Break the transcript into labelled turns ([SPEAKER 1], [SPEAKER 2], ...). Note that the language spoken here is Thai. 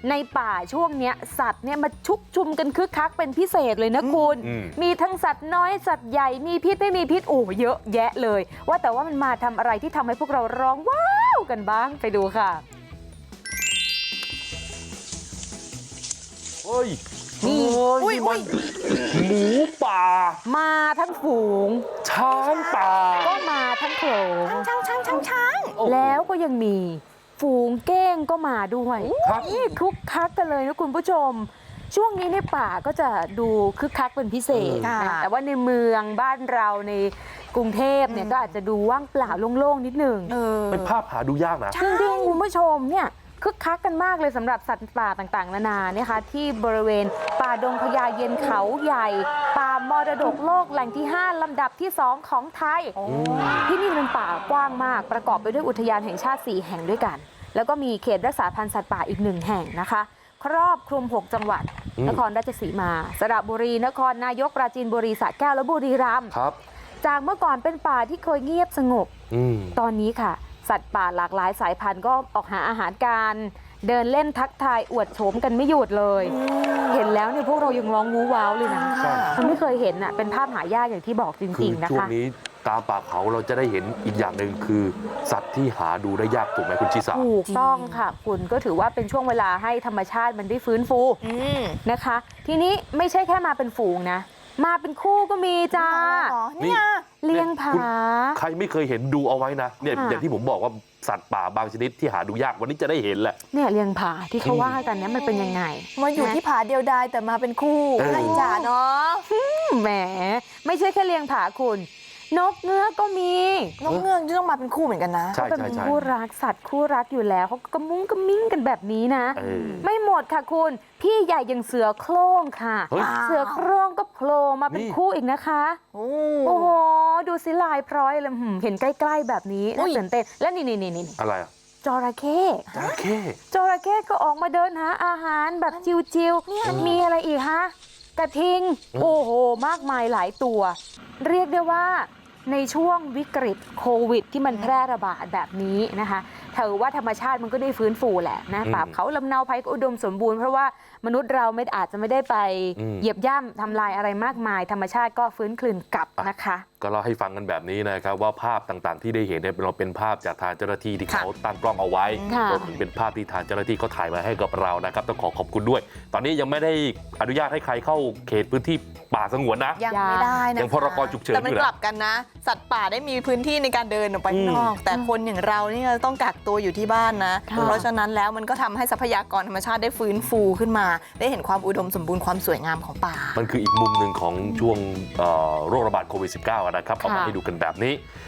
[SPEAKER 1] ในป่าช่วงเนี้ยสัตว์เนี่ยมาชุกชุมกันคึกคักเป็นพิเศษเลยนะคุณมีทั้งสัตว์น้อยสัตว์ใหญ่มีพิษไม่มีพิษโอ้เยอะแยะเลยว่าแต่ว่ามันมาทำอะไรที่ทำให้พวกเราร้องว้าวกันบ้างไปดูค่ะ
[SPEAKER 2] เฮ้ย
[SPEAKER 1] นี่
[SPEAKER 2] มันหมูป่า
[SPEAKER 1] มาทั้งฝูง
[SPEAKER 2] ช้างป่า
[SPEAKER 1] ก็มาทั้งโขลง
[SPEAKER 3] ช้าง
[SPEAKER 1] แล้วก็ยังมีฝูงเก้งก็มาด้วยนี่คึกคักกันเลยนะคุณผู้ชมช่วงนี้ในป่าก็จะดูคึกคักเป็นพิเศษนะแต่ว่าในเมืองบ้านเราในกรุงเทพเนี่ยก็อาจจะดูว่างเปล่าโล่งๆนิดนึง
[SPEAKER 2] เป็นภาพหาดูยากนะ
[SPEAKER 1] จริงๆคุณผู้ชมเนี่ยคึกคักกันมากเลยสำหรับสัตว์ป่าต่างๆนานาเนี่ยค่ะที่บริเวณป่าดงพญาเย็นเขาใหญ่ป่ามรดกโลกแหล่งที่ 5 ลำดับที่ 2 ของไทยที่นี่เป็นป่ากว้างมากประกอบไปด้วยอุทยานแห่งชาติ4แห่งด้วยกันแล้วก็มีเขตรักษาพันธุ์สัตว์ป่าอีก1แห่งนะคะครอบคลุม6จังหวัดนครราชสีมาสระบุรีนครนายกปราจีนบุรีสระแก้วและบุรีรัมย์จากเมื่อก่อนเป็นป่าที่เคยเงียบสงบตอนนี้ค่ะสัตว์ป่าหลากหลายสายพันธุ์ก็ออกหาอาหารการเดินเล่นทักทายอวดโฉมกันไม่หยุดเลยเห็นแล้วเนี่ยพวกเรายังร้องวู้ว้าวเลยนะมันไม่เคยเห็นอ่ะเป็นภาพหายากอย่างที่บอกจริงๆนะคะ
[SPEAKER 2] ช่วงนี้ตามป่าเขาเราจะได้เห็นอีกอย่างหนึ่งคือสัตว์ที่หาดูได้ยากถูกไหมคุณชิสา
[SPEAKER 1] ถูกต้องค่ะคุณก็ถือว่าเป็นช่วงเวลาให้ธรรมชาติมันได้ฟื้นฟูนะคะทีนี้ไม่ใช่แค่มาเป็นฝูงนะมาเป็นคู่ก็มีจ้า
[SPEAKER 3] นี่
[SPEAKER 1] เลี้ยงผา
[SPEAKER 2] ใครไม่เคยเห็นดูเอาไว้นะเนี่ยอย่างที่ผมบอกว่าสัตว์ป่าบางชนิดที่หาดูยากวันนี้จะได้เห็นแหละ
[SPEAKER 1] เนี่ยเลี้ยงผาที่เขาว่ากันเนี่ยมันเป็นยังไง
[SPEAKER 3] มาอยู่ที่ผาเดียวดายแต่มาเป็นคู่อะไรจ้าเนาะ
[SPEAKER 1] แหมไม่ใช่แค่เลี้ยงผาคุณนกเงือกก็มี
[SPEAKER 3] นกเงือกต้องมาเป็นคู่เหมือนกันนะ
[SPEAKER 2] ใช่
[SPEAKER 1] เป็นคู่รักสัตว์คู่รักอยู่แล้วเขากระมุ้งกระมิ้งกันแบบนี้นะไม่หมดค่ะคุณพี่ใหญ่อย่างเสือโคร่งค่ะเสือโคร่งก็โผล่มาเป็นคู่อีกนะคะโอ้โหดูสิลายพร้อยเลยเห็นใกล้ๆแบบนี้น่าตื่นเต้นและนี่
[SPEAKER 2] อะไรอ่ะ
[SPEAKER 1] จระเข้จระเข้ก็ออกมาเดินหาอาหารแบบจิวๆมีอะไรอีกฮะกระทิงโอ้โหมากมายหลายตัวเรียกได้ว่าในช่วงวิกฤตโควิดที่มันแพร่ระบาดแบบนี้นะคะถือว่าธรรมชาติมันก็ได้ฟื้นฟูแหละนะป่าเขาลำเนาภัยก็อุดมสมบูรณ์เพราะว่ามนุษย์เราอาจจะไม่ได้ไปเหยียบย่ำทำลายอะไรมากมายธรรมชาติก็ฟื้นคืนกลับนะคะ
[SPEAKER 2] ก็เล่าให้ฟังกันแบบนี้นะครับว่าภาพต่างๆที่ได้เห็นเนี่ยเราเป็นภาพจากทางเจ้าหน้าที่ที่เขาตั้งกล้องเอาไว้รวมถึงเป็นภาพที่ทางเจ้าหน้าที่เขาถ่ายมาให้กับเรานะครับต้องขอบคุณด้วยตอนนี้ยังไม่ได้อนุญาตให้ใครเข้าเขตพื้นที่ป่าสงวนนะ
[SPEAKER 3] ยังไม่ได้นะ
[SPEAKER 2] ยังพรกฉุกเฉิน
[SPEAKER 3] แต่มันกลับกันนะสัตว์ป่าได้มีพื้นที่ในการเดินออกไปข้างนอกแต่คนอย่างเรานี่ต้องกักตัวอยู่ที่บ้านนะเพราะฉะนั้นแล้วมันก็ทำให้ทรัพยากรธรรมชาติได้ฟื้นฟูขึ้นมาได้เห็นความอุดมสมบูรณ์ความสวยงามของป่า
[SPEAKER 2] มันคืออีกมุมหนึ่งของช่วงโรคระบาดโควิด -19 นะครับเอามาให้ดูกันแบบนี้